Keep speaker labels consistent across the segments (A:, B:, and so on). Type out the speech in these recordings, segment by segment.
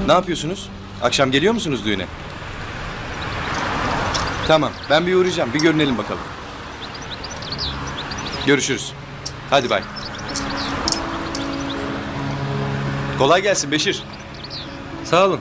A: Ne yapıyorsunuz? Akşam geliyor musunuz düğüne? Tamam, ben bir uğrayacağım. Bir görünelim bakalım. Görüşürüz. Hadi bay. Kolay gelsin Beşir.
B: Sağ olun.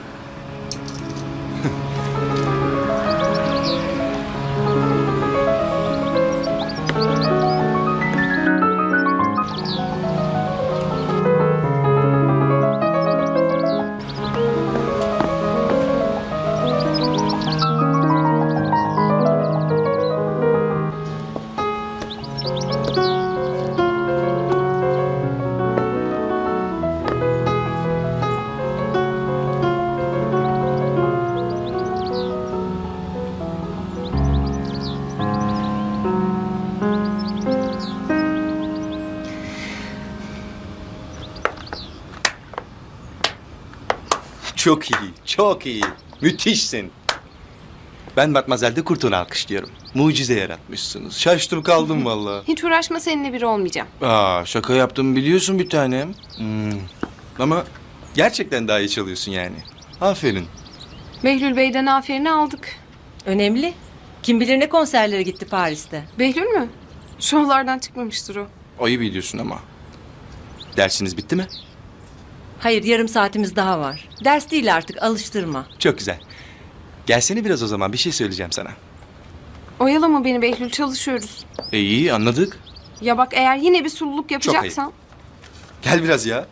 A: Çok iyi, çok iyi. Müthişsin. Ben Matmazel'de Kurtun'u alkışlıyorum. Mucize yaratmışsınız. Şaştım kaldım vallahi.
C: Hiç uğraşma, seninle biri olmayacağım.
A: Şaka yaptım biliyorsun bir tanem. Ama gerçekten daha iyi çalıyorsun yani. Aferin.
C: Behlül Bey'den aferini aldık.
D: Önemli. Kim bilir ne konserlere gitti Paris'te.
C: Behlül mü? Şovlardan çıkmamıştır o.
A: Ayıp ediyorsun ama. Dersiniz bitti mi?
D: Hayır, yarım saatimiz daha var. Ders değil artık, alıştırma.
A: Çok güzel. Gelsene biraz o zaman, bir şey söyleyeceğim sana.
C: Oyalama beni Behlül, çalışıyoruz.
A: İyi anladık.
C: Ya bak, eğer yine bir sululuk yapacaksan...
A: Gel biraz ya.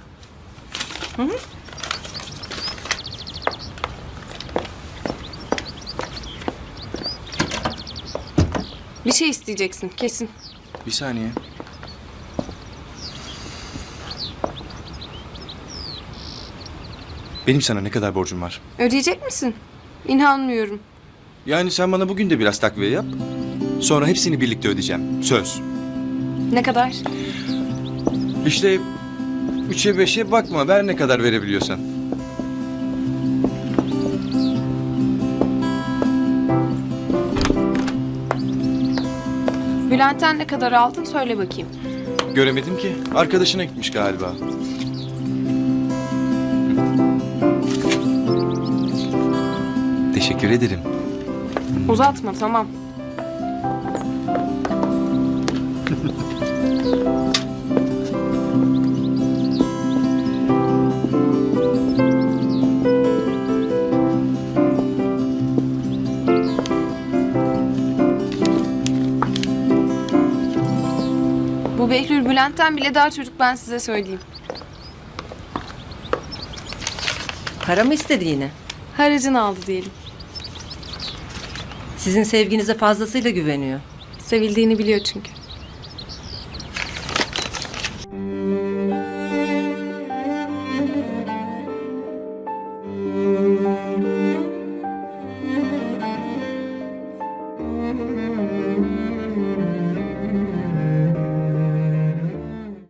C: Bir şey isteyeceksin kesin.
A: Bir saniye. Benim sana ne kadar borcum var?
C: Ödeyecek misin? İnanmıyorum.
A: Yani sen bana bugün de biraz takviye yap. Sonra hepsini birlikte ödeyeceğim. Söz.
C: Ne kadar?
A: İşte 3'e 5'e bakma. Ver ne kadar verebiliyorsan.
C: Bülent'ten ne kadar aldın söyle bakayım.
A: Göremedim ki. Arkadaşına gitmiş galiba. Teşekkür ederim.
C: Uzatma, tamam. Bu Behlül Bülent'ten bile daha çocuk, ben size söyleyeyim.
D: Para mı istedi yine?
C: Haracını aldı diyelim.
D: Sizin sevginize fazlasıyla güveniyor.
C: Sevildiğini biliyor çünkü.